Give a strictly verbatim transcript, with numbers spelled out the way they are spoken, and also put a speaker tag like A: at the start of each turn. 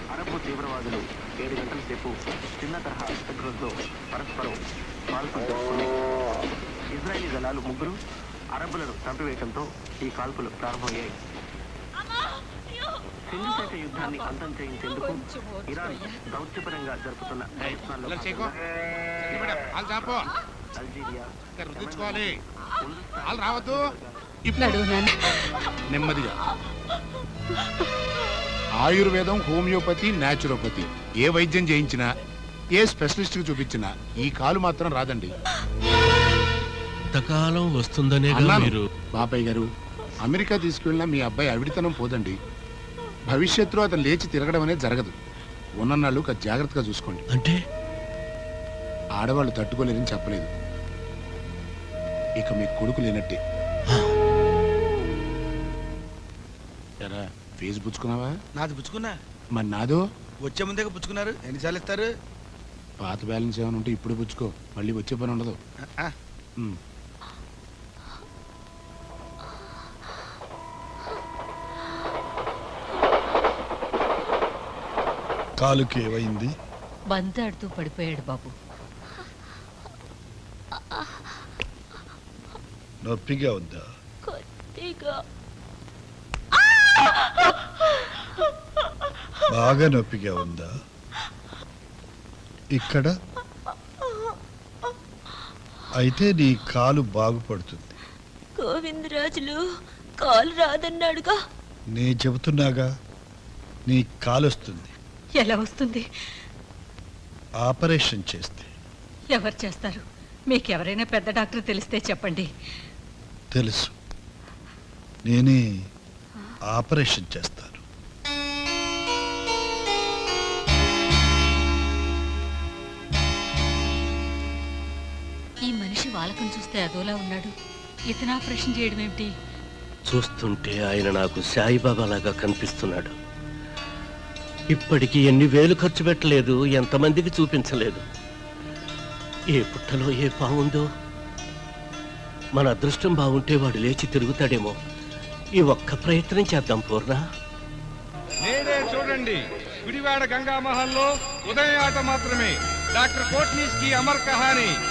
A: Arab తీవ్రవాదులు ఏడు గంటల సేపు చిన్న తరహా శత్రులతో పరస్పరం కాల్పులు జరుపుకున్నాయి. ఇజ్రాయిలీ దళాలు ముగ్గురు అరబ్బులను చంపివేయడంతో ఈ కాల్పులు ప్రారంభమయ్యాయి. సింధుశేష యుద్ధాన్ని అంతం చేయించేందుకు ఇరాన్ దౌత్యపరంగా జరుపుతున్న ప్రయత్నాల్లో అల్జీరియా
B: నెమ్మదిగా. ఆయుర్వేదం, హోమియోపతి, న్యాచురోపతి ఏ వైద్యం చేయించినా, ఏ స్పెషలిస్ట్ కి చూపించినా ఈ కాలు మాత్రం రాదండి.
C: ఇంతకాలం వస్తుందనే మీరు
B: బాబాయ్ గారు, అమెరికా తీసుకెళ్ళినా మీ అబ్బాయి అవిడితనం పోదండి. భవిష్యత్తులో అతను లేచి తిరగడం అనేది జరగదు. ఉన్నన్నాళ్ళు జాగ్రత్తగా చూసుకోండి.
C: అంటే
B: ఆడవాళ్ళు తట్టుకోలేరని చెప్పలేదు. ఇక మీ కొడుకు లేనట్టే. ఎరా ఫీజు పుచ్చుకున్నావా?
D: నాది పుచ్చుకున్నా.
B: మరి నాదో?
D: వచ్చే ముందే పుచ్చుకున్నారు. ఎన్నిసార్లు ఇస్తారు?
B: పాత బ్యాలెన్స్ ఏమైనా ఉంటే ఇప్పుడు పుచ్చుకో, మళ్ళీ వచ్చే పని ఉండదు.
E: కాలుకి ఏమైంది?
F: బంతాడుతూ పడిపోయాడు బాబు.
E: నొప్పిగా ఉందా? బాగా నొప్పిగా ఉందా? ఇక్కడ అయితే నీ కాలు బాగుపడుతుంది.
G: గోవిందరాజులు కాలు రాదన్నాడుగా.
E: నే చెబుతున్నాగా, నీ కాలు వస్తుంది.
F: ఎలా వస్తుంది?
E: ఆపరేషన్ చేస్తే.
F: ఎవరు చేస్తారు? మీకెవరైనా పెద్ద డాక్టర్ తెలిస్తే చెప్పండి.
E: తెలుసు, నేనే ఆపరేషన్ చేస్తాను.
F: ఈ మనిషి వాళ్ళకం చూస్తే అదోలా ఉన్నాడు. ఇతను ఆపరేషన్ చేయడం ఏమిటి?
C: చూస్తుంటే ఆయన నాకు సాయిబాబా లాగా కనిపిస్తున్నాడు. ఇప్పటికి ఎన్ని వేలు ఖర్చు పెట్టలేదు, ఎంతమందికి చూపించలేదు. ఏ పుట్టలో ఏ పావుందో. మన అదృష్టం బాగుంటే వాడు లేచి తిరుగుతాడేమో. ఈ ఒక్క ప్రయత్నం చేద్దాం పూర్ణ.
H: నేనే చూడండి, గుడివాడ గంగామహల్లో ఉదయం ఆట మాత్రమే. డాక్టర్ కోట్నీస్ కి అమర్ కహాని.